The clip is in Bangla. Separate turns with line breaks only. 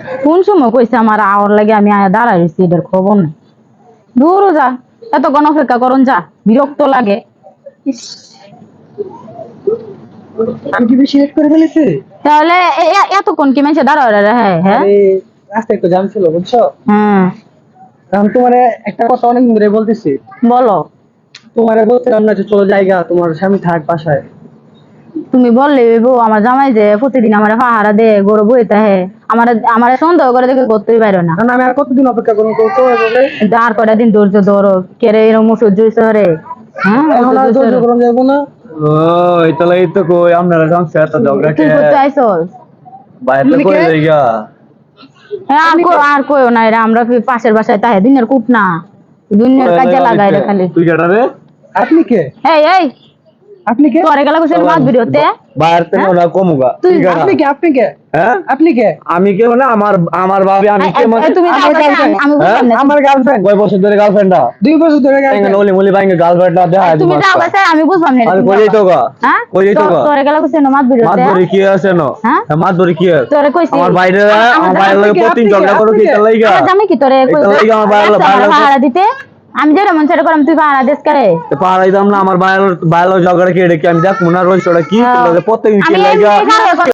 কোন সময় কইছে আমার আওয়ার লাগে আমি আয়া দাঁড়াই রইছি এটার খবর নাই। দূরও যা, এতক্ষণ অপেক্ষা করুন যা, বিরক্ত লাগে। ইস,
আমি কি বেশি লেট করে ফেলেছি?
তাহলে এতক্ষণ কি মানুষে দাঁড়ায় রয়ে? হ্যাঁ হ্যাঁ।
আরে রাস্তায় একটু জ্যাম ছিল বুঝছো।
হ্যাঁ
আমি তোমারে একটা কথা অনেক ধরে বলতেছি।
বলো।
তোমারে বলছিলাম না যে চলো জায়গা, তোমার স্বামী থাক বাসায়।
তুমি বললে বউ আমার জামাই যে প্রতিদিন আমার পাহারা দে গরু বইতে হে, আমার আমার সন্দেহ করে দেখে করতেই পারো না।
কারণ আমি আর কতদিন অপেক্ষা করবো তো এভাবে?
আর কটা দিন ধৈর্য ধরো, কেরে এরকম ওষুধ জুইছে রে। হ্যাঁ
এখন আর ধৈর্য করা যাবো না।
ও তাহলে এই তো কই আপনারা সংসার এত ঝগড়া
তুই
কে
করতে আইসস?
বাইরে কই যাইগা
আর কইও না এরা, আমরা পাশের বাসায় তাহে দিনের কূপ না, দুনিয়ার কাজে লাগাই রে খালি।
তুই কেটা রে?
আপনি কে?
এই এই
আপনি কে?
তোরে গেলা কইছে মাছ ভিডিওতে।
বাইরে থেকে ওরা কমুগা
তুই
আপনি কে? আপনি কে?
হ্যাঁ
আপনি কে?
আমি কে মানে আমার আমার ভাবি আমি কে মানে
তুমি
আমার girlfriend।
আমি বুঝলাম না।
আমার গার্লফ্রেন্ড।
কয় বছর ধরে গার্লফ্রেন্ডটা
2 বছর ধরে
এঙ্গে
গার্লফ্রেন্ড।
নলি মুলি বাইঙ্গে গার্লফ্রেন্ডটা দেখা
তুমি যাও কাছে আমি বুঝলাম না।
আমি কই যাইতো গা
হ্যাঁ
কই যাইতো গা
তোরে গেলা কইছে মাছ
মাছ
ভিডিওতে।
ধরে কি আছে ন
হ্যাঁ?
মাছ ধরে কি আছে
তোরে কইছি
আমার বাইরে আমার বাইরে লাগে প্রতিদিন
আপনি কে?
ঝগড়া করো কি তার লাগা
আমার জামাই কি তোরে
এটা লাগা আমার বাইরে
পাহারা দিতে? আমি যেটা মন সেটা করলাম, তুই পাহারা দিস করে।
পাহাড়াই দাম না আমার বাইরে বাইরে ঝগড়া কি এটা কি আমি দেখ মনে রইছ ওটা কি প্রত্যেকদিন কি
আমি
লাগা
এমনি